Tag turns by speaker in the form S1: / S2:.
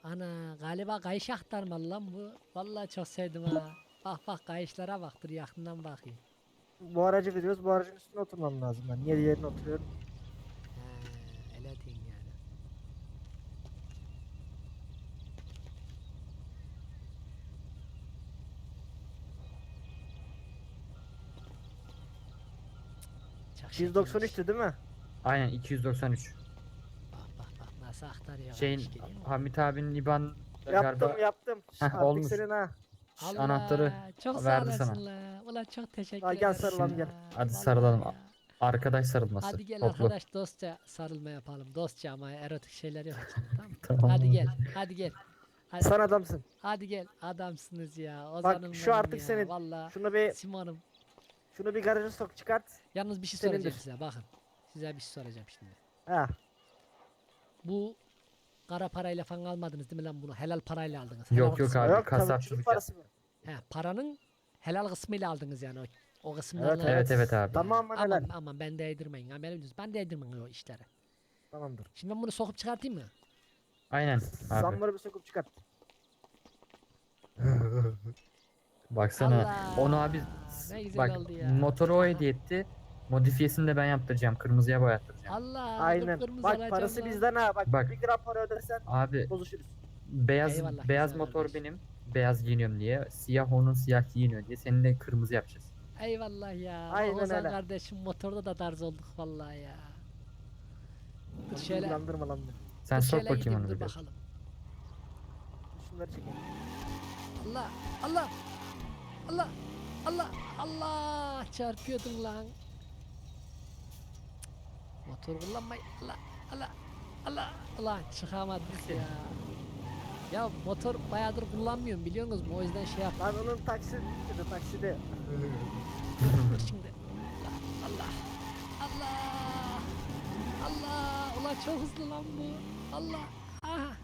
S1: Ana galiba kayış aktarmalı lan bu. Vallahi çok sevdim ha. Bak bak kayışlara bak, dur yakından bakayım.
S2: Bu aracı veriyoruz. Bu aracın üstüne oturmam lazım ben. Niye diğerine oturuyorum?
S1: He, öyle diyeyim yani. Çok şekilmiş.
S2: 293'tü değil mi?
S3: Aynen 293.
S1: Bak bak bak nasıl aktarıyor kayış,
S3: Şeyin
S1: görüyor musun?
S3: Hamit abinin IBAN
S2: Yaptım
S3: galiba
S2: yaptım.
S3: Heh,
S2: Artık
S3: olmuş.
S2: senin ha.
S3: Anahtarı
S1: Allah çok sağ
S3: verdi sana.
S1: olasın la. Ulan çok teşekkür
S2: Ha, gel
S1: ederim
S2: sarılalım,
S1: ya.
S2: gel.
S3: Hadi
S1: Vallahi
S3: sarılalım.
S1: ya.
S3: Arkadaş sarılması.
S1: Hadi gel
S3: Toplu.
S1: arkadaş, dostça sarılma yapalım. Dostça ama erotik şeyler yok içinde, tamam mı?
S3: Tamam
S1: Hadi
S3: abi.
S1: gel. Hadi gel. Hadi,
S2: Sen adamsın.
S1: hadi gel. Adamsınız ya.
S2: Bak
S1: Ozan'ım
S2: şu
S1: benim
S2: artık
S1: ya.
S2: senin.
S1: Valla
S2: Şunu bir şunu bir garaja sok, çıkart.
S1: yalnız bir şey
S2: Senindir.
S1: soracağım size, bakın. Size bir şey soracağım şimdi.
S2: Ha.
S1: Bu kara parayla falan almadınız değil mi lan bunu? Helal parayla aldınız. Helal
S3: Yok yok
S1: kısmı.
S3: abi
S2: Yok tabii,
S3: kasapçılık
S2: çocuk
S3: yap.
S2: parası mı?
S1: He, paranın helal kısmıyla aldınız yani o kısımlarını.
S3: Evet evet abi.
S2: Tamam helal.
S1: Aman aman ben değdirmeyin. Ha, ben değdirmeyin o işlere.
S2: Tamamdır.
S1: Şimdi ben bunu sokup çıkartayım mı?
S3: Aynen abi.
S2: Zamları bir sokup çıkart.
S3: Baksana.
S1: Allah,
S3: Onu abi
S1: ne güzel
S3: bak
S1: oldu ya.
S3: motoru o hediye etti. Modifiyesini de ben yaptıracağım. Kırmızıya boyattıracağım.
S1: Allah,
S2: Aynen.
S1: kıpkırmızı
S2: Bak
S1: olacağım
S2: parası
S1: lan.
S2: bizden ha. Bak,
S3: Bak.
S2: 1 gram para ödersen
S3: Abi
S2: bozuşuruz.
S3: beyaz
S1: Eyvallah,
S3: beyaz
S1: güzel
S3: motor
S1: kardeş.
S3: benim. Beyaz giyiniyorum diye. Siyah onun siyah giyiniyor diye. Senin de kırmızı yapacağız.
S1: Eyvallah ya.
S2: Aynen
S1: Ozan
S2: öyle.
S1: kardeşim motorda da tarz olduk vallahi ya. Dur
S2: Bizi
S1: şöyle,
S2: ilgilendirme lan beni.
S3: Sen
S1: dur
S3: sok
S1: şöyle
S3: bakayım
S1: gideyim,
S3: onu
S1: dur
S3: bir de.
S1: bakalım.
S2: Şunları çekelim.
S1: Allah Allah Allah Allah Allah, çarpıyordun lan. Motor kullanmayı, Allah Allah Allah Allah, çıkamadık ya. Ya motor bayağıdır kullanmıyorum biliyorsunuz mu? O yüzden şey yap.
S2: Lan onun taksidi taksidi.
S1: Dur şimdi. Allah Allah Allah Allah. Ulan çok hızlı lan bu. Allah. Aha.